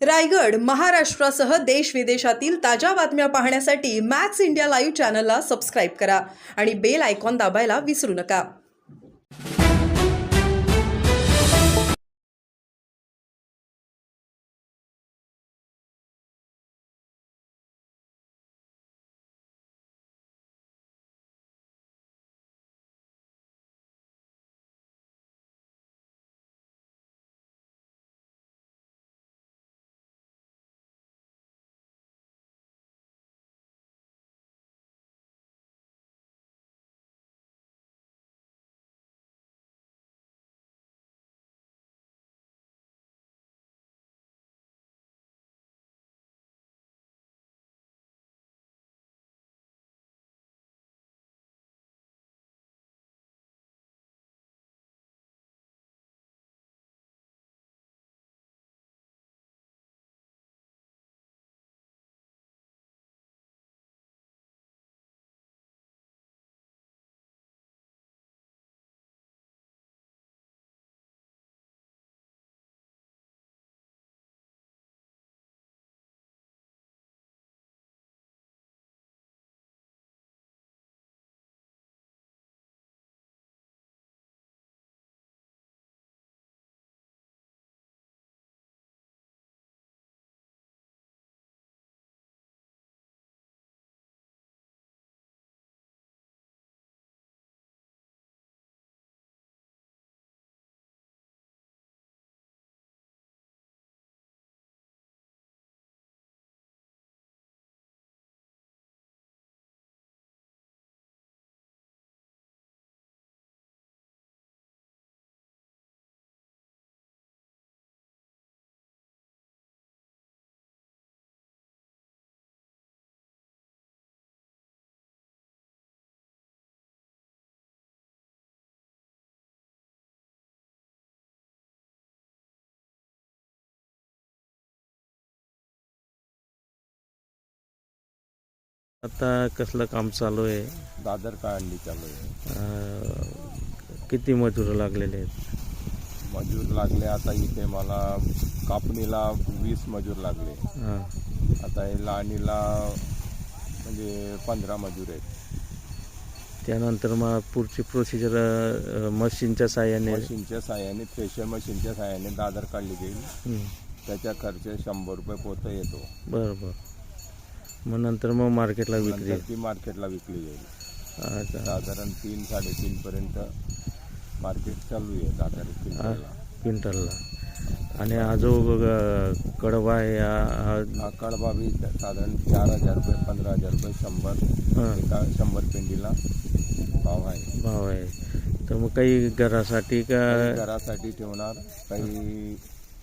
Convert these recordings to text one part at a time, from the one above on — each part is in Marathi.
रायगड, महाराष्ट्रासह देश विदेशातील ताज्या बातम्या पाहण्यासाठी मॅक्स इंडिया लाईव्ह चॅनलला सबस्क्राईब करा आणि बेल आयकॉन दाबायला विसरू नका. आता कसलं काम चालू आहे? दादर काढणी चालू आहे. किती मजूर लागलेले आहेत? मजूर लागले आता इथे मला कापणीला 20 मजूर लागले. हां. आता हे लाणीला म्हणजे 15 मजूर आहेत. त्यानंतर मग पुढची प्रोसिजर मशीनच्या साहाय्याने मशीनच्या साहाय्याने थ्रेशर मशीनच्या साहाय्याने दादर काढली जाईल. त्याचा खर्च 100 रुपये पोतं येतो. बरोबर. मग नंतर मग मार्केटला विक्री नंतर ती मार्केटला विकली जाईल. अच्छा. साधारण 3-3.5 पर्यंत मार्केट चालू आहे दादर क्विंटलला. आणि हा जो कडबा आहे हा कडबा बी साधारण 4,000 रुपये, 15,000 रुपये, 100 पेंडीला भाव आहे. तर मग काही घरासाठी का? घरासाठी ठेवणार, काही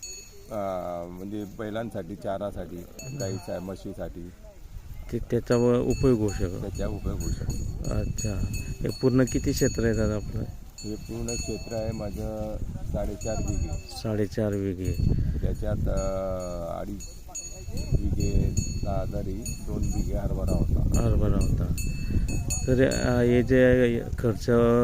म्हणजे बैलांसाठी चारासाठी, गाईच्या म्हशीसाठी त्याचा उपयोग होऊ शकतो. त्याचा उपयोग होऊ शकतो. अच्छा. हे पूर्ण किती क्षेत्र आहे दादा आपलं? हे पूर्ण क्षेत्र आहे माझं 4.5 बिघे. 4.5 बिघे. त्याच्यात 2.5 बिघे दादरी, 2 बिघे हरभरा होता. तर हे जे खर्च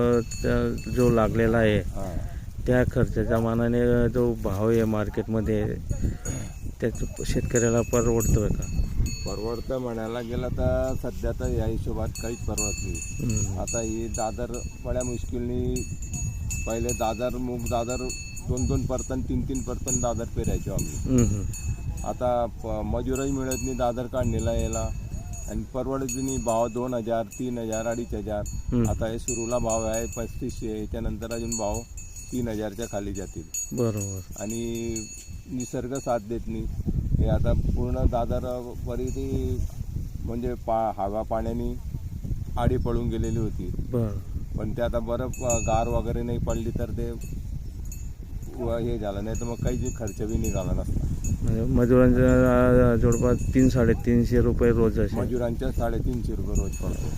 जो लागलेला आहे त्या खर्चाच्या मानाने जो भाव आहे मार्केटमध्ये त्याचं शेतकऱ्याला परवडतोय का? परवडतं म्हणायला गेलं तर सध्या तर या हिशोबात काहीच परवडत नाही. आता ही दादर बड्या मुश्किलनी पहिले दादर 2-2 परतन 3-3 परतन दादर पेरायचो आम्ही. आता मजुरही मिळत नाही दादर काढणीला यायला, आणि परवडत नाही. भाव 2,000, 3,000, 2,500. आता हे सुरूला भाव आहे 3,500. याच्यानंतर अजून भाव 3,000च्या खाली जातील. बरोबर. आणि निसर्ग साथ देत नाही. हे आता पूर्ण दादर वरी ती म्हणजे हवा पाण्याने आडी पडून गेलेली होती. पण ते आता बरं गार वगैरे नाही पडली तर ते हे झालं, नाही तर मग काही खर्च बी निघाला नसता. म्हणजे मजुरांच्या जवळपास 300-350 रुपये रोज असे. मजुरांच्या 350 रुपये रोज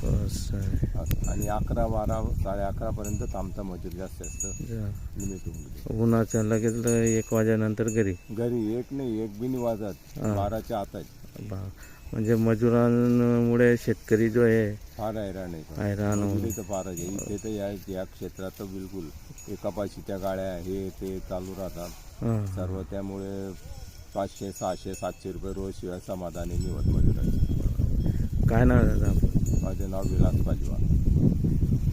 पडतो. आणि 11-12, 11:30 पर्यंत थांबता मजूर जास्त लिमिट. उन्हाच्या लगेच 1 वाजेनंतर घरी 1 नाही, 1 बी नाही वाजत, 12च्या आत आहे. म्हणजे मजुरांमुळे शेतकरी जो आहे फार हैराण तर फारच आहे. इथे तर या क्षेत्रात तर बिलकुल कपाशीच्या गाड्या हे ते चालू राहतात सर्व. त्यामुळे 500 600 700 रुपये रोज शिवाय समाधानी निवड मजुरायचे. काय नाव आहे दादा आपलं? माझे नाव विलास पालिवाल.